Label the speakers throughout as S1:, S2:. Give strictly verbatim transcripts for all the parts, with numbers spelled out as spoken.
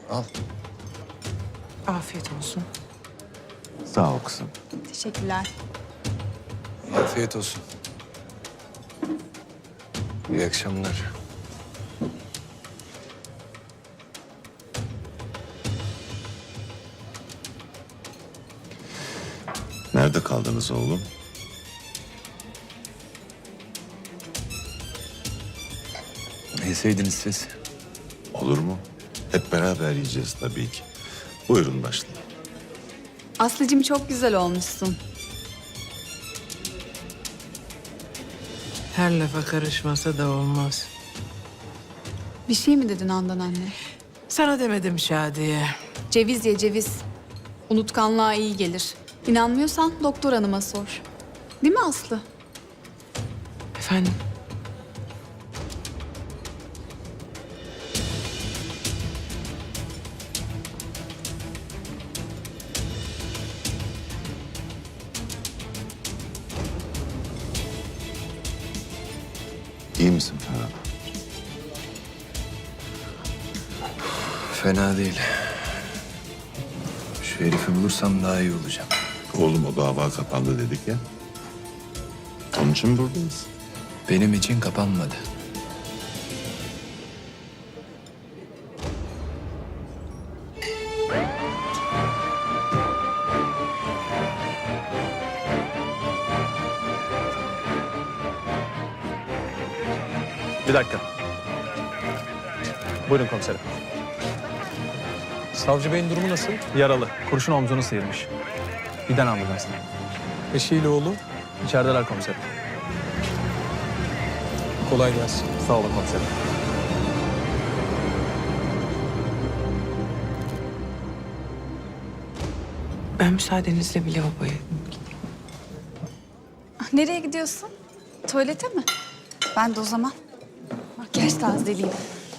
S1: Al.
S2: Afiyet olsun.
S3: Sağ ol kızım.
S4: Teşekkürler.
S1: Afiyet olsun. İyi akşamlar.
S3: Nerede kaldınız oğlum?
S1: Ne yeseydiniz siz?
S3: Olur mu? Hep beraber yiyeceğiz tabii ki. Buyurun başlayın.
S4: Aslıcığım çok güzel olmuşsun.
S2: Her lafa karışmasa da olmaz.
S4: Bir şey mi dedin Handan anne?
S2: Sana demedim Şadiye.
S4: Ceviz ye ceviz. Unutkanlığa iyi gelir. İnanmıyorsan doktor hanıma sor. Değil mi Aslı?
S2: Efendim?
S3: İyi misin Ferhat?
S1: Fena değil. Şu herifi bulursam daha iyi olacağım.
S3: Oğlum o dava kapandı dedik ya. Onun için buradayız.
S1: Benim için kapanmadı.
S5: Bir dakika. Buyurun komiserim. Savcı Bey'in durumu nasıl? Yaralı. Kurşun omzunu sıyırmış. Giden ambulansla. Eşiyle oğlu? İçerideler komiserim. Kolay gelsin. Sağ olun komiserim.
S2: Ben müsaadenizle bir lavaboya gideyim.
S4: Nereye gidiyorsun? Tuvalete mi? Ben de o zaman makyaj tazeleyeyim.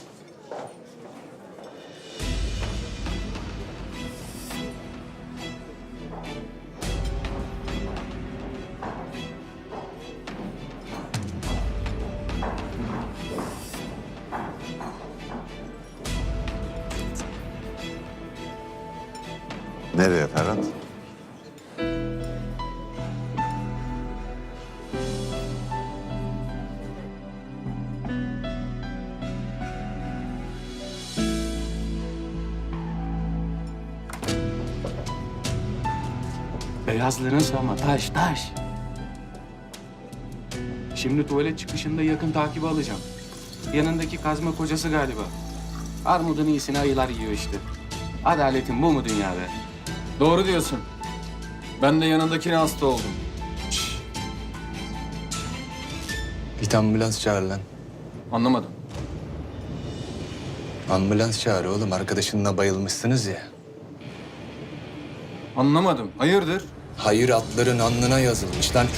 S3: Nereye Ferhat?
S6: Beyazların sama taş taş. Şimdi tuvalet çıkışında yakın takibi alacağım. Yanındaki kazma kocası galiba. Armudun iyisini ayılar yiyor işte. Adaletin bu mu dünyada? Doğru diyorsun. Ben de yanındakine hasta oldum.
S1: Git ambulans çağır lan.
S6: Anlamadım.
S1: Ambulans çağır oğlum. Arkadaşınla bayılmışsınız ya.
S6: Anlamadım. Hayırdır?
S1: Hayır atların alnına yazılmış lan.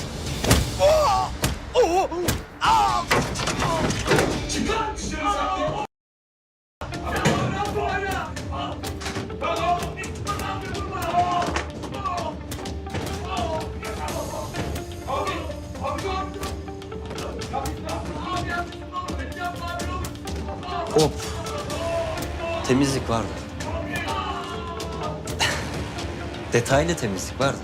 S7: Hop. Temizlik vardı. Detaylı temizlik vardı.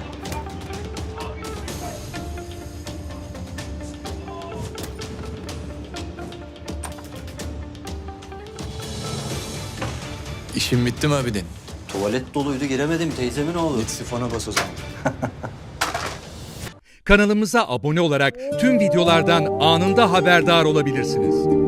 S1: İşin bitti mi abidin?
S7: Tuvalet doluydu giremedim teyzemin oğlu.
S1: Git sifona bas o zaman.
S8: Kanalımıza abone olarak tüm videolardan anında haberdar olabilirsiniz.